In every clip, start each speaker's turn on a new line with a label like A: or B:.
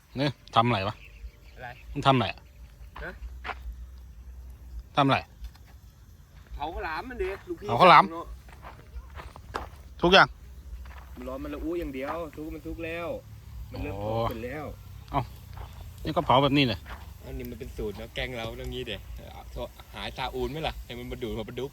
A: เนี่ยทำอะไรวะ
B: อะไร
A: มันทำอะไรอะ
B: ฮะ
A: ทำอะไร
B: เผาข้าวหลามมันดิลูกพี่
A: เผาข้าวหลาม ทุกอย่าง
B: มันร้อนมันละอู้อย่างเดียวทุกมันทุกแล้ว มันเริ่ม
A: โอ้
B: พอขึ้นแล้ว
A: นี่ก็เผาแบบนี้เลย
B: อันนี้มันเป็นสูตรนะแกงเราตรงนี้เด็ดหาซาอูนไหมล่ะให้มันมาดูดมาประดุก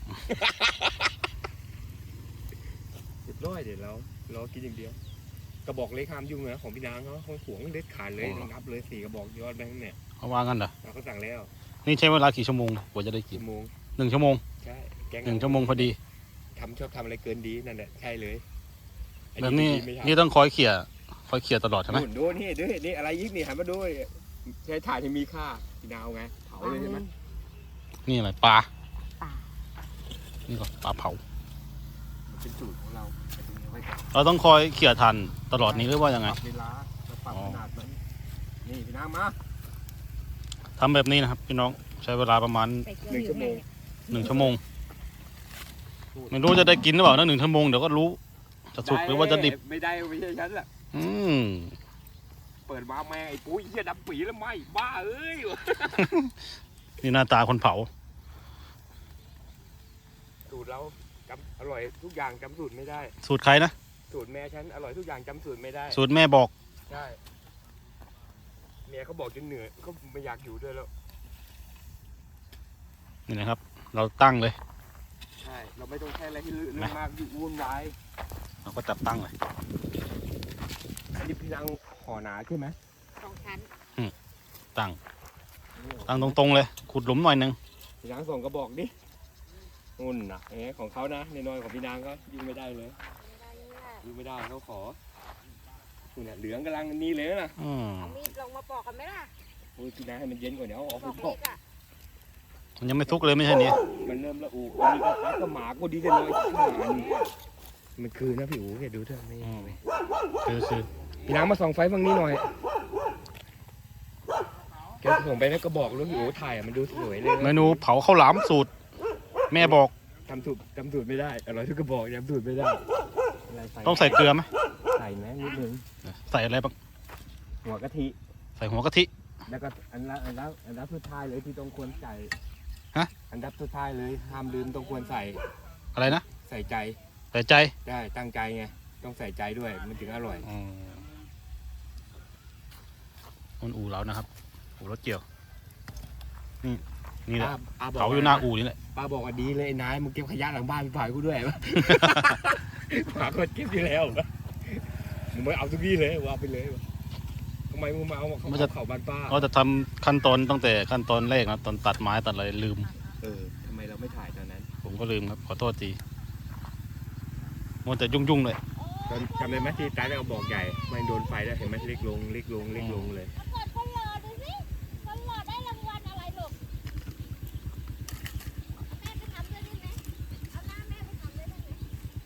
B: เรียบร้อยเดี๋ยวเรากินอย่างเดียวกระบอกเล็กห้ามยุ่งนะของพี่นางเขาหวงเด็ดขาดเลยนับเลย4 กระบอกยอดแบงค์เนี่ย
A: เขาว่างั้นเหรอ
B: เขาสั่งแล้ว
A: นี่ใช้เวลากี่ชั่วโมงกว่าจะได้กิน
B: ชั่วโมง
A: 1 ชั่วโมง
B: ใช่แกง
A: 1 ชั่วโมงพอดี
B: ชอบทำอะไรเกินดีนั่นแหละใช่เลย
A: แบบนี้
B: ไม่ทำ
A: นี่ต้องคอยเขี่ยตลอดใช่ไหม
B: ดูนี่ดูนี่อะไรยิกนี่หันมาดูใช้ถ่านที่มีค่าพี่นาวไงเผาเลยใช่ไหม
A: นี่อะไรปลา
C: ปลา
A: นี่ก็ปลาเผา
B: มันเป็นสูตรของเราแต่ตรงนี้ไว้ก่อน
A: เราต้องคอยเขี่ยทันตลอดนี้หรือว่ายังไง
B: ปรับเวลาแล้วปรับขนาดมันนี่พี่นางมา
A: ทำแบบนี้นะครับพี่น้องใช้เวลาประมาณ
C: ไปเกี่ยวอยู่ให้
A: 1 ชั่วโมงไม่รู้จะได้กินหรือเปล่านะ1 ชั่วโมงเดี๋ยวก็รู้จะสุกหรือว่าจะดิบ
B: ไม่ได้ไม่ใช่ฉันแหละ
A: อืม
B: เปิดมาแม่งไอ้ปุ้ยเหี้ยดำปีแล้วไหมบ้าเอ้ย
A: นี่หน้าตาคนเผา
B: สูตรเราจำอร่อยทุกอย่างจำสูตรไม่ได้
A: สูตรใครนะ
B: สูตรแม่ฉันอร่อยทุกอย่างจำสูตรไม่ได้
A: สูตรแม่บอก
B: ใช่เมียเขาบอกจนเหนื่อยเขาไม่อยากอยู่ด้วยแล้ว
A: นี่นะครับ เราตั้งเลย
B: ใช่เราไม่ต้องใช้อะไรที่เรื่องมากวุ่นวาย
A: เราก็จับตั้งเลย
B: อันนี้พี่นางห่อหนาใช่ไหม
C: 2 ชั้น
A: ตั้งตรงๆเลยขุดหลุมหน่อยนึง
B: พี่นางส่งกระบอกดินุ่นนะของเขานะในน้อยของพี่นางก็ยิงไม่ได้เลยยิงไม่ได้เขาขอนู่นน่ะเหลืองกำลังนี่เลยนะ
A: อืม
C: เอามีดลงมาปอกกันไหมล่ะ
B: โอ้ยพี่นางให้มันเย็นกว่าเดี๋ยวเอาออก
C: ป
B: ไป
C: อก
B: ป
C: มี
B: อก
C: ดอ่ะ
A: มันยังไม่ทุกเลยไม่ใช่นี่
B: มันเริ่มละอูอันนี้ก็พักก็หมาก็ดีจะน้อยมันคือนะพี่อู๋แกดูเถอะไม่
A: คือ
B: พี่นางมาส่องไฟฝั่งนี้หน่อยแกส่งไปแล้วก็บอกแล้วพี่อู๋ถ่ายมันดูสวยเลย
A: เมนูเผาข้าวหลามสูตร แม่บอก
B: จำสูตรไม่ได้อร่อยทุกกระบอกจำสูตรไม่ได้อะไร
A: ต้องใส่เกลือไหม
B: ใส่ไหมนิดนึง
A: ใส่อะไรบ้าง
B: หัวกะทิ
A: ใส่หัวกะทิ
B: แล้วก็อันดับสุดท้ายเลยที่ต้องควรใส่
A: ฮะ
B: อันดับสุดท้ายเลยห้ามลืมต้องควรใส่
A: อะไรนะ
B: ใส่ใจ
A: ใส่ใจ
B: ได้ตั้งใจไงต้องใส่ใจด้วยมันถึงอร่อย
A: มันอู่เรานะครับอู่รถเกี่ยวนี่แหละ
B: บก
A: เผาอยู่หน้าอู่นี่แหละ
B: ป้าบอกว่าดีเลยไอ้นายมึงเก็บขยะหลังบ้านไปเผากูด้วยวะ หาคนเก็บที่แล้ววะมึงไม่เอาทุกที่เลยว่าไปเลยวะทำไมมึงมาเอาเขาบ้านป้า
A: เราจะทำขั้นตอนตั้งแต่ขั้นตอนแรกนะตอนตัดไม้ตัดอะไรลืม
B: ทำไมเราไม่ถ่ายตอนนั้น
A: ผมก็ลืมครับขอโทษทีมัวแต่ยุ่งๆเลย
B: จำได้ไหมที่ตายแล้วบอกใหญ่ไม่โดนไฟแล้วเห็นไหมเล็กลงเลย
C: กดคนหล่อดูสิคนหล่อได้รางวัลอะไรลูกแม่ไปทำด้วยได้ไหมเอาหน้าแม่ไปทำด้วยได้ไหม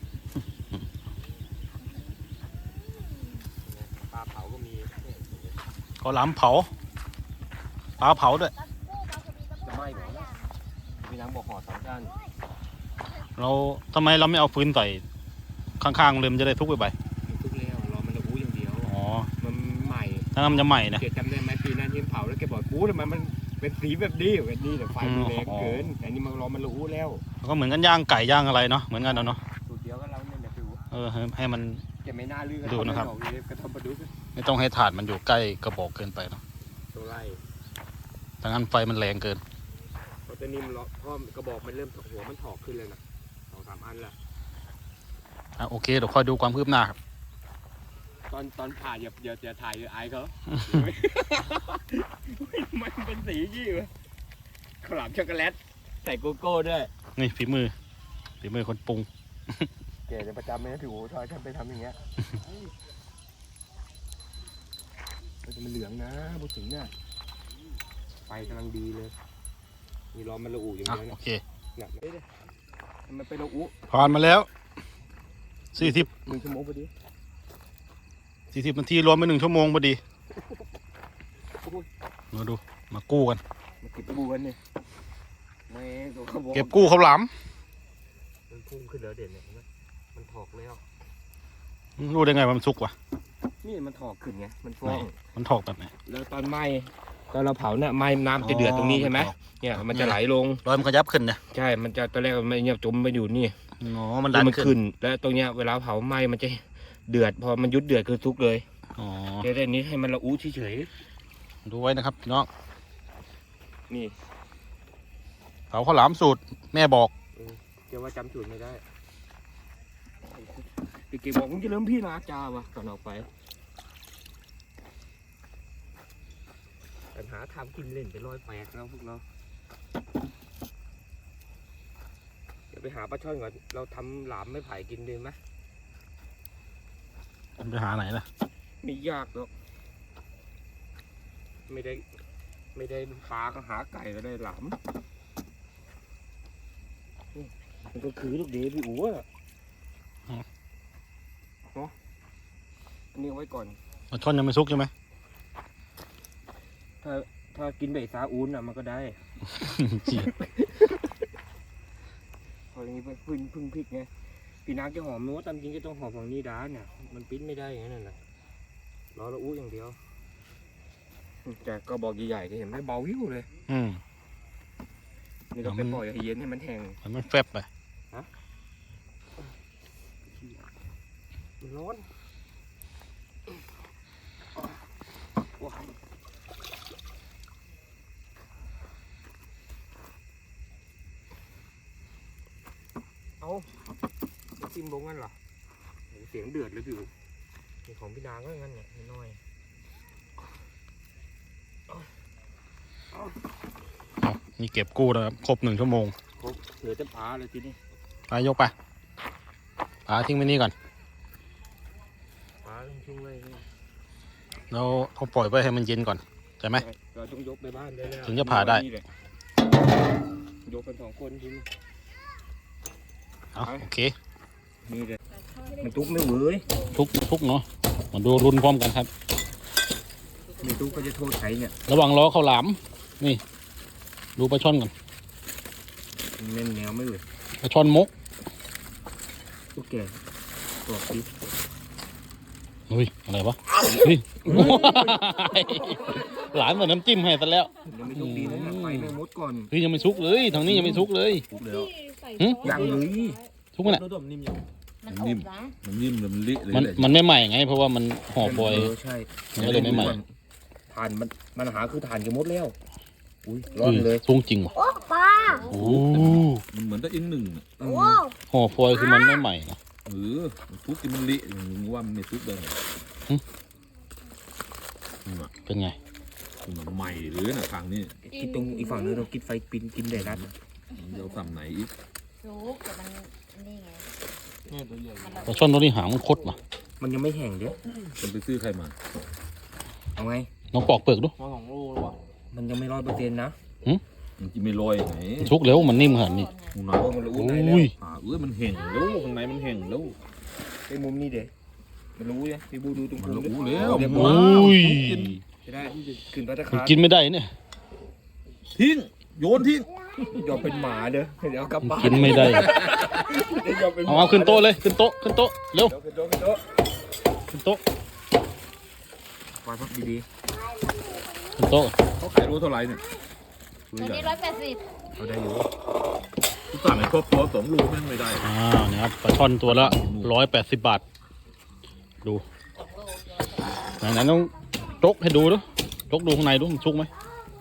B: ปลาเผาก็มี
A: ข้าวหลามเผาปลาเผาด้วย
C: ตะกู้มาพอดีตะกู้หลายอย่าง
B: พี่น้ำบอกห่อ2 ด้าน
A: เราทำไมเราไม่เอาฟืนใส่ข้างๆเลยมันจะได้ทุกไป
B: มันทุกแล้วรอมันระอู้อย่างเดียว
A: อ๋อ
B: มันใหม่
A: ถ้างั้นมันจะใหม่นะ
B: เกิดจำได้ไหมปีนั้นที่เผาแล้วแกบอกกูทำไมมันเป็นสีแบบนี้แบบนี้แต่ไฟมันแรงเกินอันนี้มันรอมันระอู้แล้ว
A: ก็เหมือนกันย่างไก่ย่างอะไรเนาะเหมือนกันเนาะ
B: สูตรเดียวก็เราเนี่ยแหละพี่อู๋
A: ให้มัน
B: แกไม่น่าลือ
A: ดูนะครับ
B: กระทำประดุก
A: ไม่ต้องให้ถาดมันอยู่ใกล้กระบอกเกินไปเนาะ
B: ตัวไล่
A: ถ้างั้นไฟมันแรงเกิน
B: เพราะตอนนี้มันเพราะกระบอกมันเริ่มหัวมันถอกขึ้นเลยนะ2-3 อันละ
A: โอเคเดี๋ยวค่อยดูความคืบหน้าครับ
B: ตอนผ่าอย่าถ่ายอายเขา มันเป็นสียี่วะข้าวหลามช็อกโกแลตใส่โกโก้ด้วย
A: นี่ฝีมือคนปรุง
B: แกจะประจำไหมนะพี่โอ้ทอยทำไปทำอย่างเงี้ยมันเหลืองนะพูดถึงเนี่ยไฟกำลังดีเลยมีร้อนมันระอุอย่าง
A: อ่ะ
B: เดียว
A: โอ
B: เนี่ย
A: เค
B: เนี่ยมันเป็นระอุ
A: ผ่านมาแล้ว40
B: 1 ชั่วโมงพอดี
A: นาทีรวมไป1 ชั่วโมงพอดีมาดูมากู้กัน
B: มาเก็บบูกันเนี่ยไม่ตัวเขาบอก
A: เก็บกู้ข้าวหลาม
B: มันพุ่งขึ้นแล้วเด่นเนี่ยเห็นไหมมันถอกแล้ว
A: รู้ได้ไงว่ามันสุกวะ
B: นี่มันถอกขึ้นไงมันฟ้อง
A: มันถอกแบบไหน
B: แล้วตอนไหม้ตอนเราเผาเนี่ยไหม้น้ำจะเดือดตรงนี้ใช่ไหมเนี่ยมันจะไหลลง
A: รอยมันขยับขึ้นนะ
B: ใช่มันจะตอนแรกมันเนี่ยจมไปอยู่นี่
A: อ๋อมันดัน
B: มัน
A: ขึ้
B: ขึ้
A: น
B: น แล้วตรงเนี้ยเวลาเผาไหม้มันจะเดือดพอมันยุดเดือดคือทุกเลย
A: อ๋อ
B: เดี๋ยวนี้ให้มันละอู้เฉย
A: ดูไว้นะครับพี่น้อง
B: ๆนี่
A: เผาข้าวหลามสูตรแม่บอก
B: เดี๋ยวว่าจำสูตรไม่ได้พี่เก๋บอกมึงจะเริ่มพี่นะจ้าวะก่อนออกไปปัญหาทำกินเล่นไปลอยแปลกแล้วพวกเราเดี๋ยวไปหาปลาช่อนก่อนเราทำหลามไม่ไผ่กินดีไหม
A: ไปหาไหนล่ะ
B: ไม่ยากหรอกไม่ได้ปลาก็หาไก่ก็ได้หลามนี่มันก็คือลูกเดชพี่อู๋อะเนาะอันนี้เอาไว้ก่อน
A: ปลาช่อนยังไม่ซุกใช่ไหม
B: ถ้ากินใบซาอูนอ่ะมันก็ได้ พออย่างนี้พึ่งพริกไงปีนักจะหอมนู้ตามจริงก็ต้องหอมฝั่งนี้ด้านเนี่ยมันปิ้นไม่ได้อย่างนั้นน่ะรอละอู้อย่างเดียวแต่ก็บอกใหญ่ๆก็เห็นไหมเบาวิวเลย นี่เราไปปล่อยให้เย็นให้มันแห้ง
A: มันแฟบไป
B: มันร้อนว้าวเอาจะจิ้มลงงั้นเหรอเสียงเดือดเลยพี่อู๋นี่ของพี่นางก็งั้นเนี่ยน้อย
A: นี่เก็บกู้แล้วครับครบ1 ชั่วโมง
B: ครบเหลือแต่ปลาเลยทีนี้
A: ไปยกไปปลาทิ้งไว้นี่ก่อน
B: ปลาต้องทิ้งไว้นี่
A: แล้วเอาปล่อยไว้ให้มันเย็นก่อนใช่ไหม
B: เราต้องยกไปบ้านได้แล้ว
A: ถึงจะผ่าได้
B: นี่แหละยกกัน2 คนทีนี้
A: เอาโอเค
B: นี่เลยมันทุกไม่เหวืย
A: ทุกเนาะมาดูรุนพร้อมกันครับ
B: ไม่ทุกก็จะโทษใครเนี่ย
A: ระหว่างล้อข้าวหลามนี่ดูปลาช่อนก่อน
B: เน้นแนวไม่เหวืย
A: ปลาช่อนมก
B: ทุกแก่ตัวปี
A: เฮ้ยอะไรวะเฮ้ยหลานเหมือนน้ำจิ้มให้ซะแล้ว
B: ยังไม่ทุกดีนะเนี่ยไฟไม่มดก่อน
A: เฮ้ยยังไม่ซุกเลยทางนี้ยังไม่ซุกเลย
C: ที่ใส่
A: หึ
C: ซอส
B: ยังเลย
A: ซุกไหมน่ะ
C: มันอบนะ
D: มันนิ่มมันเละเลย
A: มัน
D: แหละ
A: มันไม่ใหม่ไง เพราะว่ามันห่อฟอยล์
B: ใช่
A: มันก็เลยไม่ใหม่
B: ถ่านมันหาคือถ่านจะมดแล้วอุ้ยร้อนเลย
A: ซุกจริงว่ะ
C: โอ้ปลา
A: โอ้
D: มันเหมือนตะอินหนึ่งอะ
C: โอ้
A: ห่อฟอยล์คือมันไม่ใหม่นะ
D: มันทุกที่มันเละมึงว่ามันไม่ทุกได้ไง
A: เป็นไง
D: มันใหม่เลยนะทางนี้
B: คิดตรงอีกฝั่งนึงเราคิดไฟปินกินได้รัด
D: เราฝั่งไหนอีก
C: รู้แต่มันนี่ไง
A: ปลาช่อนตัวนี้หางมันคดว่ะ
B: มันยังไม่แห้งเด้อ
D: มันไปซื้อใครมา
B: เอาไง
A: น้องปอกเปลือกดู
B: มันยังไม่100%นะ
D: มันจะไม่ลอยไหน
A: มันซุกแล้วมันนิ่มขนาดนี้
D: มูนา
B: โอ้มันรู้
A: โอ
B: ไหนแล้ว
A: ้ย
D: มันแห้งแล้วข้างในมันแห้งแล้ว
B: ไอ้มุมนี้เด้มันรู้ยังพี่บูดูตรง
D: มัน
B: มุม
D: รู้
B: ดิ
D: แล้ว
B: เรียบ
A: โอ
B: ร้อย้
A: ย
B: จะได้ขึ้นพัตตา
A: มัน
B: คาร
A: กินไม่ได้เนี่ย
D: ทิ้งโยนทิ้ง
B: ยอมเป็นหมาเด้อเดี๋ยวกลับ
A: มัน
B: บ้าน
A: กินไม่ได้
B: เดี๋ยวยอมเป็นห
A: เอา
B: มา
A: ขึ้นโต๊ะเลยขึ้นโต๊ะขึ้นโต๊ะเร็ว
B: เดี๋ยวขึ้นโต๊ะขึ้นโต๊ะ
A: ขึ้นโต๊ะ
B: ปล่อยพักดี
A: ขึ้นโต๊ะ
D: เขาขายรู้เท่าไหร่เนี่ย
C: ตัวนี้180
B: ๆเอาได้อยู่
D: ทุกสั่งในครอบครัว2 ลูกแม่งไม่ได้
A: เนี่ยครับปลาช่อนตัวละ180 บาท ดูไหนๆต้องจกให้ดูดูจกดูข้างในดูมันซุกไหม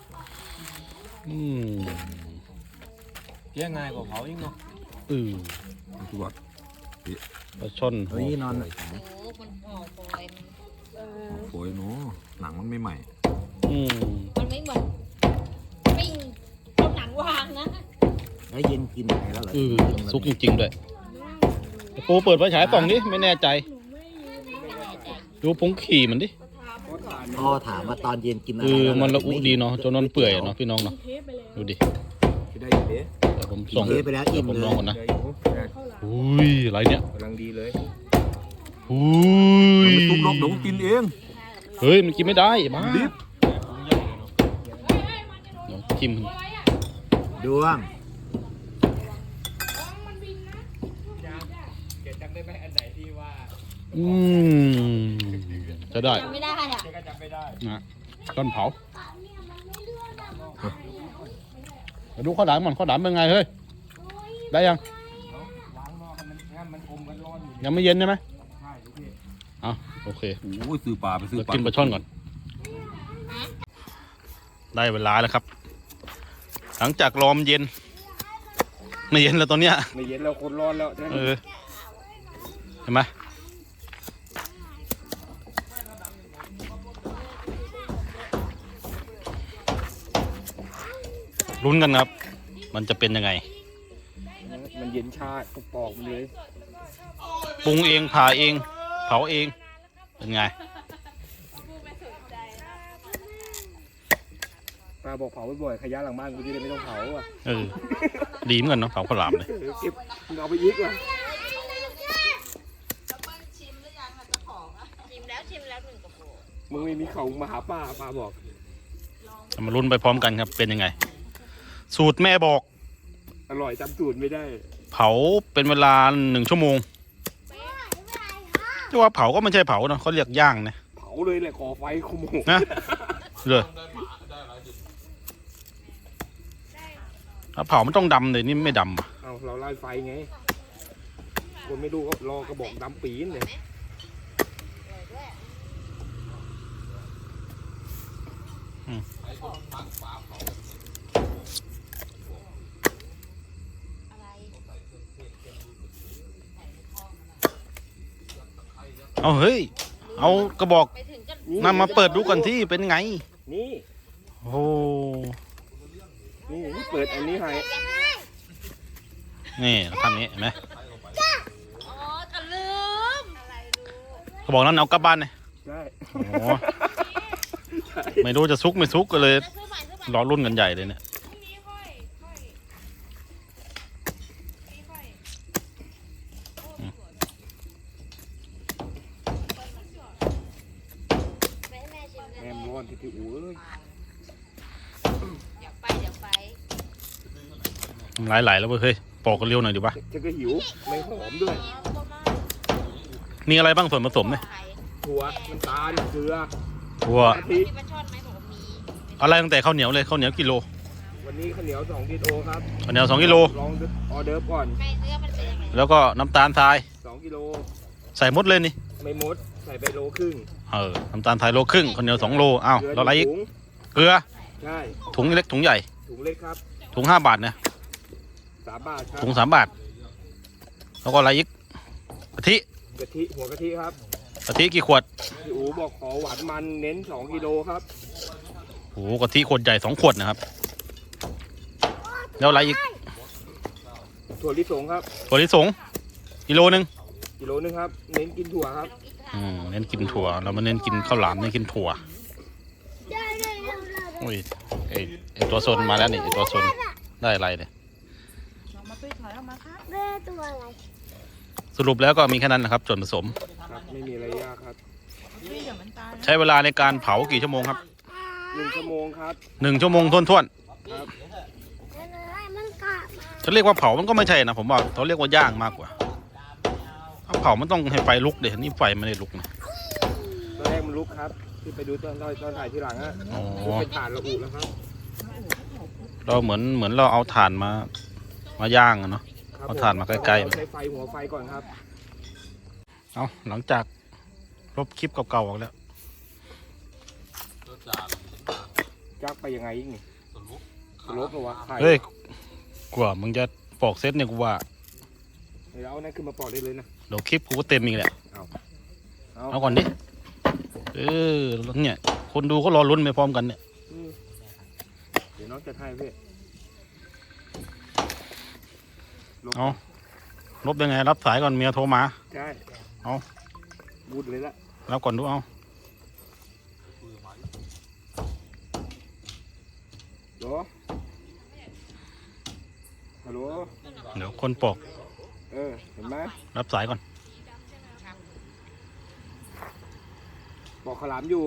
B: แย่ง่ายกว่าเผาอีกเนาะ
D: ทุกวัน
A: ปลาช่อน
B: เฮ้ยนอน
C: โอ้มันห่อฟอยล์
D: โอยเนาะหนังมันไม่ใหม่
C: มันไม่เหมือนปิ้งเอาหนังวางนะ
B: แล้วเย็นกินอะไรแล้วเหรอ
A: ซุกจริงๆด้วยโปเปิดไฟฉายส่องดิไม่แน่ใจ ดูผงขี่มันดิ
E: พ่อถามว่าตอนเย็นกินอะไร
A: มันละอุดีเนาะจนนอนเปื่อยเนาะพี่น้องเนาะดูดิ
B: จะได้อยู่เด้
A: เดี๋ยวผม
E: กิน
A: ส่อง
E: เทไปแล้วอิ่ม
A: ผม
E: เล
A: ลอง
E: ย
A: ก่อนนะ
B: ได้อยู่ได้
A: อุ้ยอะไรเนี่ย
B: กำลังดีเลย
A: อุ้ย
D: มันทุบลบเดี๋ยวมันกินเอง
A: เฮ้ยมันกินไม่ได้บ้า
D: ดิบ
A: เดี๋ยวจิ้ม
E: ดวง
B: แกจำได้ไหมอันไหนที่ว่า
A: อืมจะได้
C: ไม่ได้อ่ะ
B: ก็จะไม่ได้
A: นะต้นเผามาดูข้าวหลามก่อนข้าวหลามเป็นไงเฮ้ยได้ยัง
B: ล้างหม้อให้มันงั้นมันอมกันร้อนอยู่
A: ยังไม่เย็นใช่ไหม
B: ใช่ลูกพี่
A: เอาโอเค
D: โอ้ยซื้อปลาไปซื้อ
A: เดี๋ยว
D: ปลา
A: กินปลาช่อนก่อน ได้เวลาแล้วครับ หลังจากรอมนเย็น ไม่เย็นแล้วตอนเนี้ย
B: ไม่เย็นแล้วคนร้อนแล้วใช่ไหม
A: เห็นไหมลุ้นกันครับ มันจะเป็นยังไง
B: มันเย็นชาปอกมันเลย
A: ปรุงเองผ่าเอง เผาเอง เป็นไง
B: ป้าบอกเผาบ่อยๆขยะหลังบ้านกูจะได้ไม่ต้องเผาอ่ะ
A: ดีเหมือนกันเนาะเผาข้าวหลามเลย
B: เก็บมึงเอาไปอีกว่ะ
C: ชิมแล้ว1 กระปุก
B: มึงไม่มีเขามาหาป้าบอก
A: มาลุ้นไปพร้อมกันครับ เป็นยังไง สูตรแม่บอก
B: อร่อยจำสูตรไม่ได้
A: เผาเป็นเวลา1 ชั่วโมงที่ว่าเผาก็ไม่ใช่เผาเนาะเขาเรียกย่างนะ
B: เผาเลยแหละก่อไฟขโมย
A: นะเลยถ้าเผามันต้องดำเลยนี่ไม่ดำอะ
B: เอาเราไล่ไฟไงคนไม่รู้ก็รอกระบอกดำปีนเลย
A: เอาเฮ้ย เอากระบอก
C: ไปถึงก็
A: นำมาเปิดดูก่อนที่เป็นไง
B: นี่
A: โอ้โห
B: นี่เปิดอันนี้ให้
A: นี่ทำนี้เห็นไหม
C: อ๋อก็ลืมอะไรรู้
A: กระบอกนั้นเอากลับบ้านเลย
B: ใช่
A: โอ้โหไม่รู้จะซุกไม่ซุกก็เลย
C: ซื้อใหม่
A: รอรุ่นกันใหญ่เลยเนี่ย
C: ไปให้แม่ชิม
B: แอมร้อนที่อู๋เอ้ย
C: เดี๋ยวไป
A: ไหลๆแล้วเว้ยเฮ้ยปอกกันเร็วหน่อยดีวะ
B: จะก็หิวไม่หอมด้วย
A: มีอะไรบ้างส่วนผสมเนี่ย
B: ถั่วน้ำตาลเกลือ
A: ถั่ว
B: กะทิ
C: ที่ปลาช่อนไหมบอกว่ามี
A: อะไรตั้งแต่ข้าวเหนียวเลยข้าวเหนียวกิโล
B: วันนี้ข้าวเหนียว2 กิโลครับ
A: ข้าวเหนียว2 กิโล
B: ลองออเดิร์ฟก่อน
C: ใครเนื้อมันเป็นยังไง
A: แล้วก็น้ำตาลทราย
B: 2 กิโล
A: ใส่หมดเลยนี่
B: ไม่หมดใส่ไปโลครึ่ง
A: น้ำตาลทรายโลครึ่งข้าวเหนียว2 โลอ้าว
B: เกลื
A: แล้วอะไรอีก
B: ถุง
A: เกลือ
B: ใช่
A: ถุงเล็กถุงใหญ่
B: ถุงเล็กครับ
A: ถุง5 บาทเนี่ย
B: 3 บาทครับ
A: ถุง3 บาท แล้วก็อะไรอีกกะทิ
B: กะทิหัวกะทิครับ
A: กะทิกี่ขวด
B: พี่อู๋บอกขอหวานมันเน้น2 กิโลครับ
A: โอ้โหกะทิขวดใหญ่2 ขวดนะครับแล้วอะไรอีก
B: ถั่วลิสงครับ
A: ถั่วลิสงกิโลนึง
B: กิโลนึงครับเน้นกินถั่วครับ
A: เน้นกินถั่วเรามาเน้นกินข้าวหลามเน้นกินถั่วอุ้ยไอตัวโซนมาแล้วนี่ไอตัวโซนได้อะไรเนี่ย
C: แม่ตัวอะไร
A: สรุปแล้วก็มีแค่นั้นนะครับส่วนผสม
B: ครับไม่มีอะไรยากครับ
A: ใช้เวลาในการเผากี่ชั่วโมงครับ
B: 1 ชั่วโมงครับ
A: 1 ชั่วโมงท้วน
B: ครับ
C: มันกะมา
A: ๆจะเรียกว่าเผามันก็ไม่ใช่นะผมว่าเขาเรียกว่าย่างมากกว่าถ้าเผามันต้องให้ไฟลุกเดี๋ยวนี่ไฟไม่ได้ลุกนะ
B: ตอนแรกมันลุกครับที่ไปดูตอนถ่ายทีหลังอะ
A: อ๋อ
B: เป็นถ่านระอุแล้วครับ
A: เราเหมือนเราเอาถ่านมาย่างอะเนาะ
B: ครับ
A: เอาถ่านมาใกล้ๆ
B: ใช้ไฟหัวไฟก่อนครับ
A: เอาหลังจากลบคลิปเก่าๆออกแล้ว
B: จักไปยังไงอีกนี่สลบเหรอวะไข่
A: เฮ้ยกว่ามึงจะปอกเซตเนี่ยกูว่า
B: เดี๋ยวเอานั่นขึ้นมาปอกได้เลยนะ
A: เดี๋ยวคลิปกูก็เต็มอีกแหละ
B: เอา
A: เอาก่อนดิแล้วเนี่ยคนดูก็รอลุ้นไปพร้อมกันเนี่ย
B: อืมเดี๋ยวน้องจะให้พี่ลบ
A: เอาลบยังไงรับสายก่อนเมียโทรมา
B: ใช่
A: เอา
B: บูดเลยละ
A: แล้วก่อนดูเอา
B: โหลฮัลโหล
A: เดี๋ยวคนปอก
B: เห็นไหม
A: รับสายก่อน
B: ปอกขาวหลามอยู่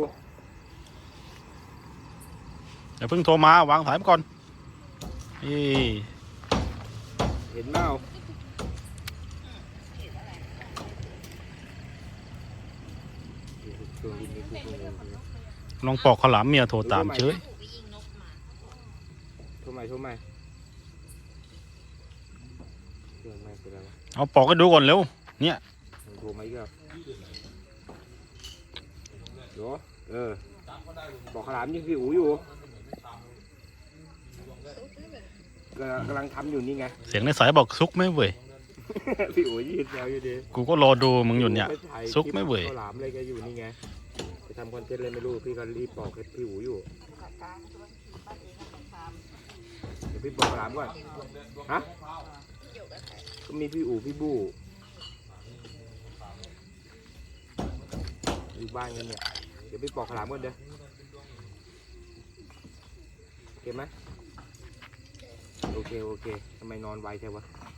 A: เดี๋ยวเพิ่งโทรมาวางสายไปก่อนนี่
B: เห็นเปล่า
A: ลองปอกข้าวหลามเมียโทรตามเฉย
B: โทรใหม่เรื่องไม่เป็นไรวะ
A: เอาปอกให้ดูก่อนเร็วเนี่ย
B: โทรมาอีกแล้วโหบอกขาวหลามยังพี่อู๋อยู่กำลังทำอยู่นี่ไง
A: เสียงในสายบอกซุกไหม่เว้ย
B: พี่อู๋ยืนแซวอยู่ดี
A: กูก็รอดูมึงอยู่เนี่ย ซุกไหม่เว้ย
B: ข้าวหลามอะไรแกอยู่นี่ไงไปทำคอนเทนต์อะไรไม่รู้พี่ก็รีบบอกให้พี่อู๋อยู่เดี๋ยวพี่บอกข้าวหลามก่อนฮะก็มีพี่อู๋พี่บู้อยู่บ้านกันเนี่ยเดี๋ยวพี่ปอกขาวหลามก่อนเด้อโอเคไหมโอเคทำไมนอนไวใช่วะ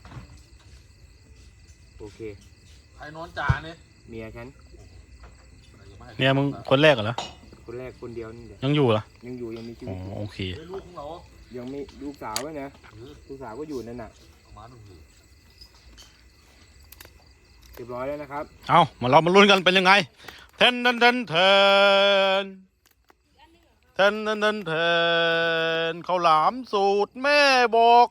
B: โอเค
D: ใครนอนจ่าเนี่ย
B: เมียฉัน
A: เนี่ยมึงคนแรกเหรอ
B: คนแรกคนเดียวนี่เดี๋ยว
A: ยังอยู่เหรอ
B: ยังอยู่ยังมีชี
A: อ๋
B: วิ
A: อ
B: ตอยู่
A: โอเค
D: ลูกของเรา
B: ยังมีลูกสาวด้วยนะลูกสาวก็อยู่นั่นน่ะ
D: เอามาดูสิ
B: เรียบร้อยแล้วนะครับ
A: เอาเรามาลุ้นกันเป็นยังไงเทนข้าวหลามสูตรแม่บอก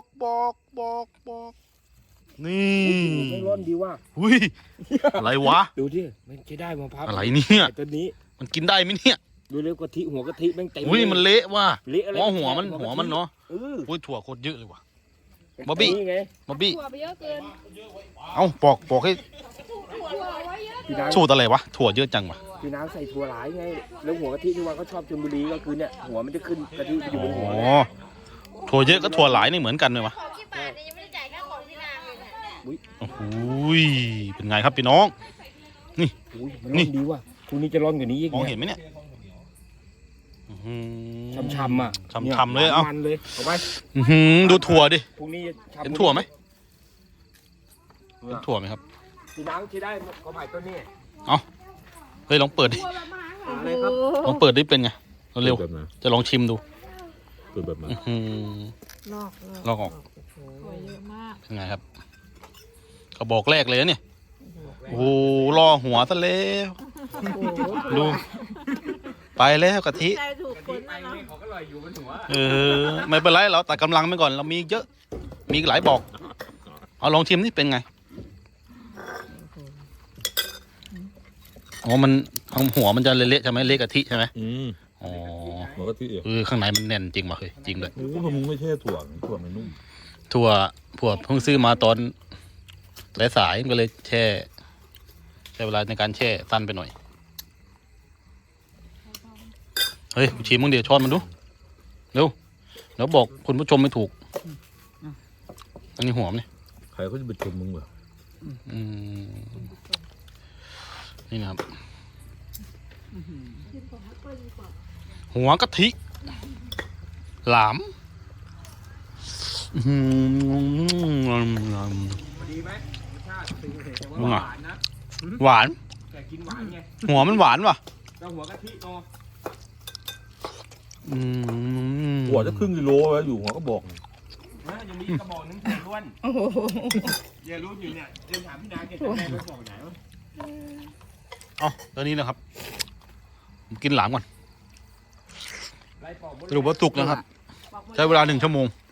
A: นี่
B: ไม่ร้อนดีว่า
A: อุ้ยอะไรวะ
B: ดูที่มันจะได้มะพร้าว
A: อะไรเนี่ย
B: ไอ้ตัวนี้
A: มันกินได้ไหมเนี่ย
B: ดูเร็วกะทิหัวกะทิแม่งเต็ม
A: อุ้ยมันเละว่ะ
B: เละอะไร
A: หัวมันเนาะ อุ้ยถั่วโคตรเยอะเลยว่ะ บ๊อบบี้
B: นี่ไง
A: บ๊อบบี้
C: ถั่วไปเยอะเกิน
A: เอ้าปอกให้
C: ถั่วไว้เยอะ
B: พี่นาง
A: สูตรอะไรวะถั่วเยอะจังวะ
B: พี่นางใส่ถั่วหลายไงแล้วหัวกะทิที่ว่าเขาชอบชลบุรีก็คือเนี่ยหัวมันจะขึ้นกะทิอยู่บนหัว
A: อ๋อถั่วเยอะกับถั่วหลายนี่เหมือนกันเลยวะ
C: ของที่บาทเนี่ยยังไม่ได้จ่ายค่าของที่นางเลยเนี่ย
A: โอ้โหเป็นไงครับพี่น้อง
B: อุ้ยมันร้อนดีว่ะพรุ่งนี้จะร้อนกว่านี้อีก
A: มอง
B: เนี่
A: เห็
B: ย
A: นไหมเนี่ยอื้อหือ
B: ช่ำๆอ่ะ
A: ช่ำๆเลยเอ้า
B: มันเลยเอาไป
A: อื้อหือดูถั่วดิ
B: พรุ่งนี้จะทำ
A: เห็นถั่วไหมเห็นถั่วไหมครับ
B: พี่นางที่ได้ก็หมายต้นนี้
A: เฮ้ยลองเปิดดิ
C: ถั่วแบบมหาศาล
B: อะไรครับ
A: ลองเปิดดิเป็นไงเร็ว
D: แบบไหน
A: ๆจะลองชิมดู
D: คือแบบไหน
A: อื้อหือ ลอกออก
C: ถั่วเยอะมาก
A: เป็นไงครับกระบอกแรกเลยนะเนี่ยโอ้โหล่อหัวซะแล้วดูไปแล้วกะทิ
C: ใจถูกคนนะเนาะ
B: เขาก็ลอยอยู่บนหัว
A: ไม่เป็นไรเราตัดกำลังไปก่อนเรามีเยอะมีหลายบอกเอาลองชิมนี่เป็นไงอ๋อมันหัวมันจะเละๆใช่ไหมเละกะทิใช่ไหม อ๋อ
D: มันก็ที่เอ๋
A: ข้างในมันแน่นจริงว่ะเฮ้ยจริงเลย
D: โอ้โหมึงไม่ใช่ถั่วมันนุ่ม
A: ถั่วเพิ่งซื้อมาตอนสายๆมันก็เลยแช่เวลาในการแช่สั้นไปหน่อยเฮ้ยชิมมึงเดี๋ยวช้อนมันดูเร็วเดี๋ยวบอกคุณผู้ชมไม่ถูกอันนี้หัวมันนี่
D: ใครเขาจะไปชมมึงเหรอ
A: อืมนี่นะครับหัวกะทิหลามอื้อหือ
B: พอดีไหมรสชาติเป็นไงแต่ว่า
A: มึง
B: ห
A: อ่ะ
B: วานนะ
A: หวาน
B: แต่กินหวานไง
A: หัวมันหวานว่ะ
B: แล้วหัวกะทิโต
A: อืม
D: หัวจะครึ่งกิโลแล้วอยู่หัวก็บอก
B: นะยังมีกระบอกนึงถั่วล้วนอย่ารู้อยู่เนี่ยเดินถามพี่นางแกจะได้กระบอกไหนวะ
A: เอาตอนนี้นะครับผมกินหลามก่อน
B: ไล่ปอกหมด
A: สรุปว่าสุกนะครับ ใช้เวลา1 ชั่วโมง